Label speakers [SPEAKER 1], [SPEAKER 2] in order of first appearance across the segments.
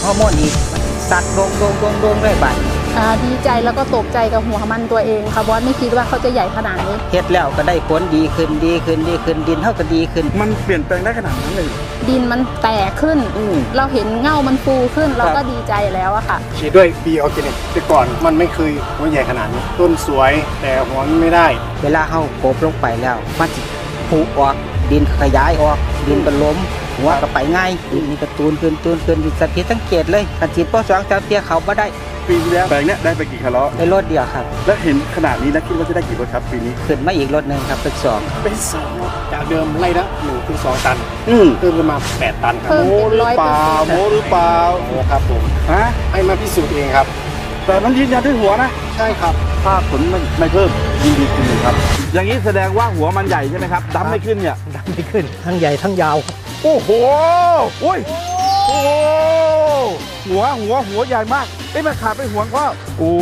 [SPEAKER 1] ฮอร์โมนอีกสัตว์โดงเลยบัด
[SPEAKER 2] ดีใจแล้วก็ตกใจกับหัวมันตัวเองค่ะบอสไม่คิดว่าเขาจะใหญ่ขนาดนี้
[SPEAKER 1] เฮ็ดแล้วก็ได้ผลดีขึ้นดินเท่าก็ดีขึ้น
[SPEAKER 3] มันเปลี่ยนแปลงได้ขนาดนั้นเลย
[SPEAKER 2] ดินมันแตกขึ้นเราเห็นเง่ามันฟูขึ้นเราก็ดีใจแล้วอะค่ะ
[SPEAKER 4] ฉีดด้วยบีออร์แกนิกแต่ก่อนมันไม่เคยหัวใหญ่ขนาดนี้ต้นสวยแต่หัวไม่ได้
[SPEAKER 1] เวลาเขาโกบลงไปแล้วมันจะผุออกดินขยายออกดินก็ล้มหัวก็ไปง่ายดินนี่ก็ตูนขึ้นสังเกตเลยการฉีดป้อ2 3เตี้ยเขาบ่ได้
[SPEAKER 3] ปีที่แล้วแปลงเนี้ยได้ไปกี่คาร์ล
[SPEAKER 1] ได้รถเดียวครับ
[SPEAKER 3] แล้วเห็นขนาดนี้แล้วคิดว่าจะได้กี่รถครับปีนี้
[SPEAKER 1] ขึ้นมาอีกรถหนึ่งครับเป็น2
[SPEAKER 4] จากเดิมไล่ละ1 ถึง 2 ตันเพิ่มขึ้นมา8 ตันครับ
[SPEAKER 3] โม้หรือเปล่าโ
[SPEAKER 4] ม้ครับผม
[SPEAKER 3] ฮะ
[SPEAKER 4] ให้มาพิสูจน์เองครับ
[SPEAKER 3] แต่มันยืนยันด้วยหัวนะ
[SPEAKER 4] ใช่ครับ
[SPEAKER 3] ถ้าผลไม่เพิ่มดีขึ้นครับอย่างนี้แสดงว่าหัวมันใหญ่ใช่ไหมครับดำไม่ขึ้นเนี่ย
[SPEAKER 4] ดำไม่ขึ้นทั้งใหญ่ทั้งยาว
[SPEAKER 3] โอ้โหโอ้ยโอ้หัวใหญ่มากมันขาดไปหัวก็โอ้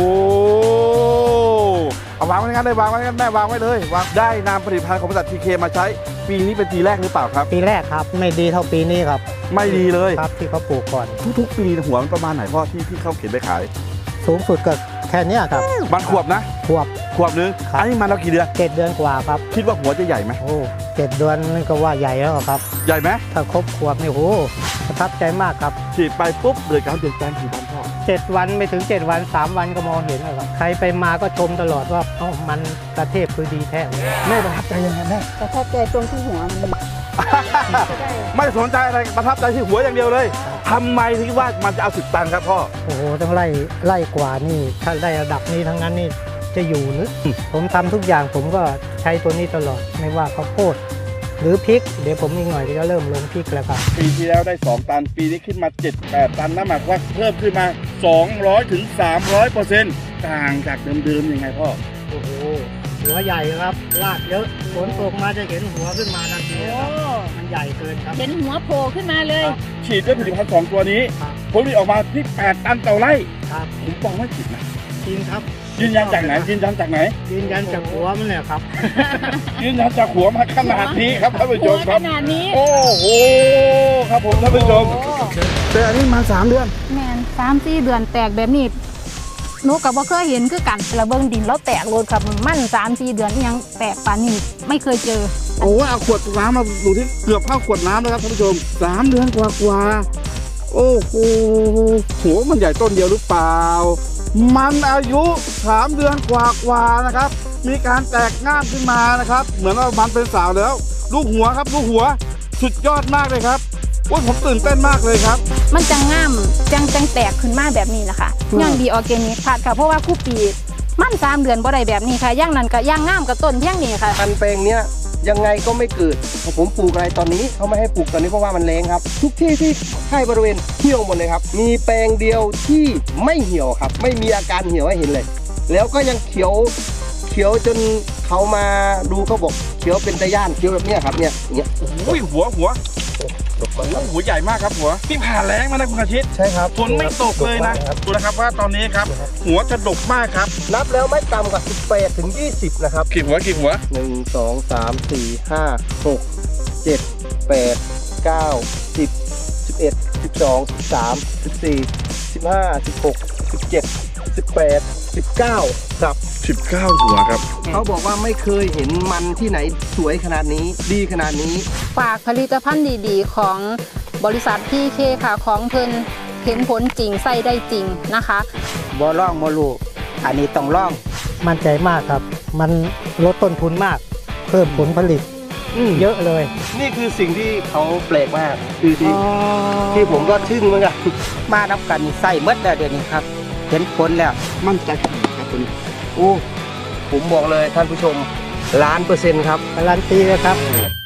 [SPEAKER 3] เอาวางไว้งั้นได้วางไว้งั้นได้วางไว้เลยวางได้นำผลิตภัณฑ์ของบริษัททีเคมาใช้ปีนี้เป็นปีแรกหรือเปล่าครับ
[SPEAKER 4] ปีแรกครับไม่ดีเท่าปีนี้ครับ
[SPEAKER 3] ไม่ดีเลย
[SPEAKER 4] ครับที่เขาปลูกก่อน
[SPEAKER 3] ทุกปีหัวมันประมาณไหนพ่อที่เขาเข็นไปขาย
[SPEAKER 4] สูงสุดก็แค่นี้ครับ
[SPEAKER 3] มันขวบนะขวบนึงอันนี้มันเรากี่เดือน
[SPEAKER 4] 7 เดือนกว่าครับ
[SPEAKER 3] คิดว่าหัวจะใหญ่ไหม
[SPEAKER 4] โอ้7 เดือนนี่ก็ว่าใหญ่แล้วครับ
[SPEAKER 3] ใหญ่ไหม
[SPEAKER 4] ถ้าครบขวบนี่โหประทับใจมากครับ
[SPEAKER 3] ฉีดไปปุ๊บเกิดการเปลี่ยนแปลงกี่วันพ่อ
[SPEAKER 4] 7 วันไม่ถึง7 วัน3 วันก็มองเห็นแล้วครับใครไปมาก็ชมตลอดว่ามันประเทศคือดีแท้
[SPEAKER 3] แม่ประทับใจยังไงแม่
[SPEAKER 2] ประทับใจตรงที่หัวมัน
[SPEAKER 3] ไม่สนใจอะไรประทับใจที่หัวอย่างเดียวเลยทำไมถึงว่ามันจะเอา10 ตันครับพ่อ
[SPEAKER 4] โอ้โหต้องไล่กว่านี่ถ้าได้ระดับนี้ทั้งนั้นนี่จะอยู่หรือผมทำทุกอย่างผมก็ใช้ตัวนี้ตลอดไม่ว่าข้าวโพดหรือพริกเดี๋ยวผมอีกหน่อยก็เริ่มลงพริกแล้วครับ
[SPEAKER 3] ปีที่แล้วได้2 ตันปีนี้ขึ้นมา7-8 ตันนั่นหมายความว่าเพิ่มขึ้นมา200 ถึง 300%ต่างจากเดิมๆยังไงพ่อ
[SPEAKER 4] โอ้โหหัวใหญ่ครับรากเยอะฝนตกมาจะเห็นหัวขึ้นมาทันทีครับมันใหญ่เกินครับ
[SPEAKER 2] เห็นหัวโผล่ขึ้นมาเลย
[SPEAKER 3] ฉีดด้วยผลิตภัณฑ์2 ตัวนี้ผลผลิตออกมาที่8 ตันต่อไร่
[SPEAKER 4] ครับ
[SPEAKER 3] ผมบอกว่าผิดนะ
[SPEAKER 4] จริงครับ
[SPEAKER 3] ยืนยันจากไหนยืนยันจาก
[SPEAKER 4] หัวมันแหละครับ
[SPEAKER 3] ยืนยันจากหัวมาขนาดนี้ครับท่านผู้ชมครับ
[SPEAKER 2] ขนาดนี้
[SPEAKER 3] โอ้โหครับผมท่านผู้ชมแต่อันนี้มา3 เดือน
[SPEAKER 2] แมน3-4 เดือนแตกแบบนี้หนูกับว่าเคยเห็นคือกันระเบิงดินแล้วแตกโลดครับมัน3-4 เดือนยังแตกปานนี้ไม่เคยเจอ
[SPEAKER 3] โอ้เอาขวดน้ำมาดูที่เกือบเข้าขวดน้ำแล้วครับท่านผู้ชม3 เดือนกว่าโอ้โหหัวมันใหญ่ต้นเดียวหรือเปล่ามันอายุ3 เดือนกว่านะครับมีการแตกง่ามขึ้นมานะครับเหมือนว่ามันเป็นสาวแล้วลูกหัวครับลูกหัวสุดยอดมากเลยครับโอ้ยผมตื่นเต้นมากเลยครับ
[SPEAKER 2] มันจังง่ามจังแตกขึ้นมาแบบนี้นะคะย่างดีออร์แกนิกผัดค่ะเพราะว่าคู่ปีมัน3 เดือนบ่ได้แบบนี้ค่ะย่างนั้นก็ย่างง่ามกับต้นเพียงนี้ค่ะ
[SPEAKER 5] พันแปลงเนี้ยยังไงก็ไม่เกิดผมปลูกอะไรตอนนี้เขาไม่ให้ปลูกตอนนี้เพราะว่ามันแรงครับทุกที่ที่ให้บริเวณเหี่ยวหมดเลยครับมีแปลงเดียวที่ไม่เหี่ยวครับไม่มีอาการเหี่ยวให้เห็นเลยแล้วก็ยังเขียวจนเขามาดูเขาบอกเขียวเป็นตะย่านเขียวแบบเนี้ยครับเนี่ยอย่างเงี้ย
[SPEAKER 3] โอ้ยหัวหัวใหญ่มากครับหัวที่ผ่านแรงมานะคุณอาทิตย์
[SPEAKER 5] ใช่ครับ
[SPEAKER 3] ฝนไม่ตกเลยนะดูนะครับว่าตอนนี้ครับหัวจะดกมากครับ
[SPEAKER 5] นับแล้วไม่ต่ำกว่า18 ถึง 20นะครับ
[SPEAKER 3] กี่หัว
[SPEAKER 5] 1 2 3 4 5 6 7 8 9 10 11 12 13 14 15 16 17 18 19ครับ
[SPEAKER 3] 19 หัวครับ
[SPEAKER 5] เขาบอกว่าไม่เคยเห็นมันที่ไหนสวยขนาดนี้ดีขนาดนี้
[SPEAKER 2] ฝากผลิตภัณฑ์ดีๆของบริษัททีเคค่ะของเพิ่นเห็นผลจริงใส่ได้จริงนะคะ
[SPEAKER 1] บ่ล่องบ่รู้อันนี้ต้องล่อง
[SPEAKER 4] มั่นใจมากครับมันลดต้นทุนมากเพิ่มผลผลิตเยอะเลย
[SPEAKER 5] นี่คือสิ่งที่เขาแปลกมากคือที่ผมก็ทึ่งเหมือนกัน
[SPEAKER 1] มานับกันใส่เมื่อเดือนนี้ครับเห็นผลแล้ว
[SPEAKER 3] มั่นใจครับตัวนี้
[SPEAKER 5] โอ้ผมบอกเลยท่านผู้ชม1,000,000%ครับ
[SPEAKER 4] การันตีเลยครับ